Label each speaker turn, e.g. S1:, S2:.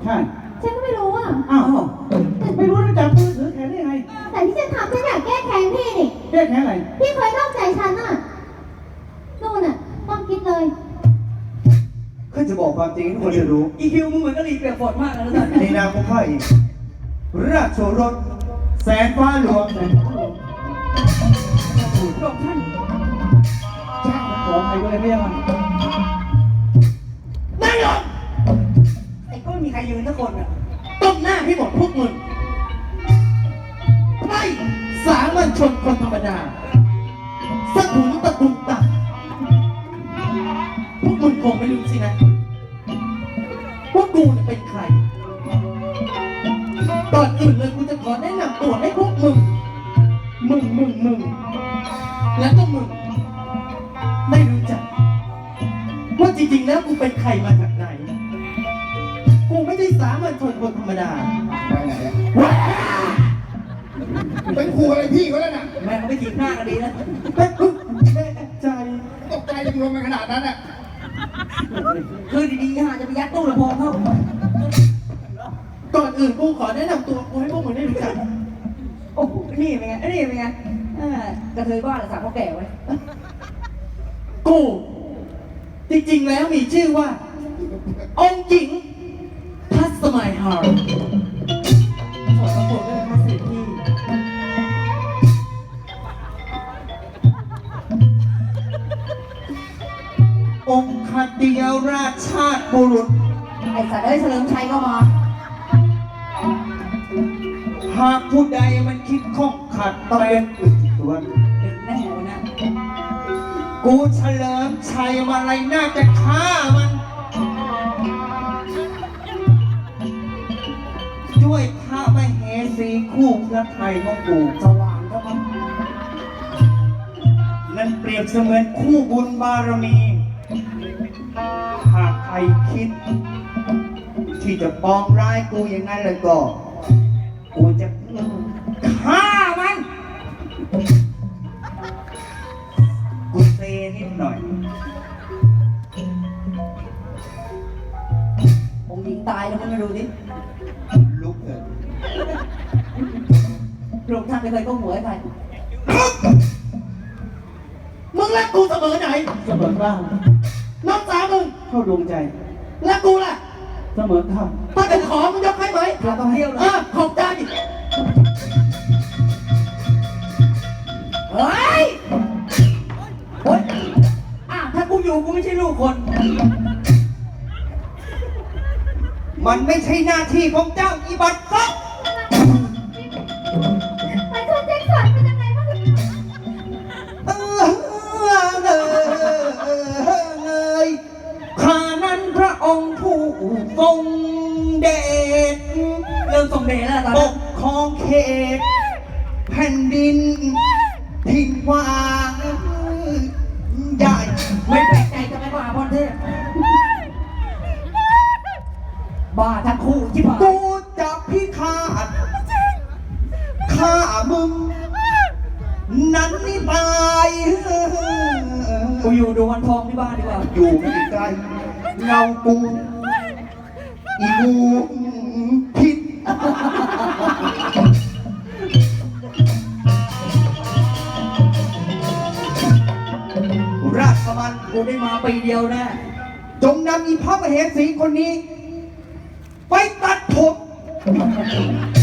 S1: ช่
S2: ฉันก็ไม่รู้อ่ะ
S1: อ้าวไม่รู้จะจับมือถือแขนได้ไง
S2: แต่ที่ฉันทำฉันอยากแก้แค้นพี่นี่
S1: แก้แขนอะไร
S2: พี่เคยนอกใจฉันอ่ะนู่นอ่ะต้องคิดเลย
S3: ข้าจะบอกความจริงให้ทุกคนได้รู้
S4: อีคิวมึงเหมือนกะหรี่เปียกฝนมากเลยนะ
S3: ในนามของข้าเองราชโอรสแสนฟ้าหลวง
S4: หลบท่าน
S1: ขอใครก็เลยไม่ยัง
S4: นั่งลงไอ้ก็ไม่มีใครยืนสักคนอ่ะ
S3: ต้มหน้าให้หมดพวกมึงไม่สามัญชนคนธรรมดาสะถุนตะตุ่มตักพวกมึงคงไม่รู้สินะว่ากูเนี่ยเป็นใครก่อนอื่นเลยกูจะขอแนะนำตัวให้พวกมึงแล้วก็มึงไม่รู้จักว่าจริงๆแล้วกูเป็นใครมาจากไหนกูไม่ได้สามัญชนคนธรรมดา
S1: ไปไหนอะ
S3: เป็นครูอะไรพี่เขาแล้วนะ
S4: แม่เขาไม่ถีบหน้ากันดีนะ
S3: แม่ใจ
S1: ตกใจจะรวมกันขนาดนั้นอ่ะ
S4: คือดีๆฮะจะไปยัดตู้ลำโพงเข้า
S3: ก่อนอื่นกูขอแนะนำตัวกูให้พวกมึงได้รู้จัก
S4: โอ้โหนี่เป็นไงนี่เป็นไงกระเทยบ้านหรือสาวเขาแก่ไว้
S3: กูจริงๆแล้วมีชื่อว่า องค์หญิงทัศมัยฮาร์ขอประกวดด้วยนะคะเสด็จพี่องค์คเดียวราชชาติบุรุษ
S4: ไอ้สัตว์เอ้ยเฉลิมชัยก็มา
S3: หากผู้ใดมันคิดข้องขัดต้องเป็นอึดตัว
S4: ดึงแน่วันนั้น
S3: กูเฉลิมชัยมาอะไรน่าจะฆ่ามันด้วยพระมเหสีคู่พระไทยของกูสว่างครับนั่นเปรียบเสมือนคู่บุญบารมี หากใครคิด ที่จะปองร้ายกูอย่างนั้นเลยก็ กูจะฆ่ามัน กูเซนิดหน่อย
S4: องค์หญิงตายแล้วมึงมาดูดิ
S3: ลุกเถอะ
S4: พระองค์ท่านไม่เคยก้มหัวให้ใคร
S3: มึงรักกูเสมอไหน
S1: เสมอบ้าง
S3: น้องสาวมึง
S1: เข้าดวงใจ
S3: รักกูล่ะ
S1: เสมอข้าม
S3: ถ้าจะขอมึงยกให้ไหม
S4: เราต้องเที่ยวเลย
S3: ขอบใจ
S4: เฮ้ยโอ๊ยถ้ากูอยู่กูไม่ใช่ลูกคน
S3: มันไม่ใช่หน้าที่ของเจ้าอีบัตรซัก
S2: ไปชนแจ็คสันเป็นยังไงบ้าง
S3: ข้านั้นพระองค์ผู้ทรงเดช
S4: เริ่มส่งเดชแล้วตอน
S3: ป
S4: นี้
S3: กครองเขตแผ่นดินทิ้งว่างใหญ่
S4: ไม่แปลกใจจะไม่บ้าพรเทพบ้าทั้งคู่ที่ผ่าน
S3: กูจะพิฆาตฆ่ามึง นั้นนี่ตาย
S4: กูอยู่ดูวันทองที่บ้านดีกว่า
S3: อยู่ไม่ไกลเงากูอีกูพิษราชมัน
S4: กูได้มาปีเดียวแน่
S3: จงนำอีพระมเหสีคนนี้ ไปตัดผม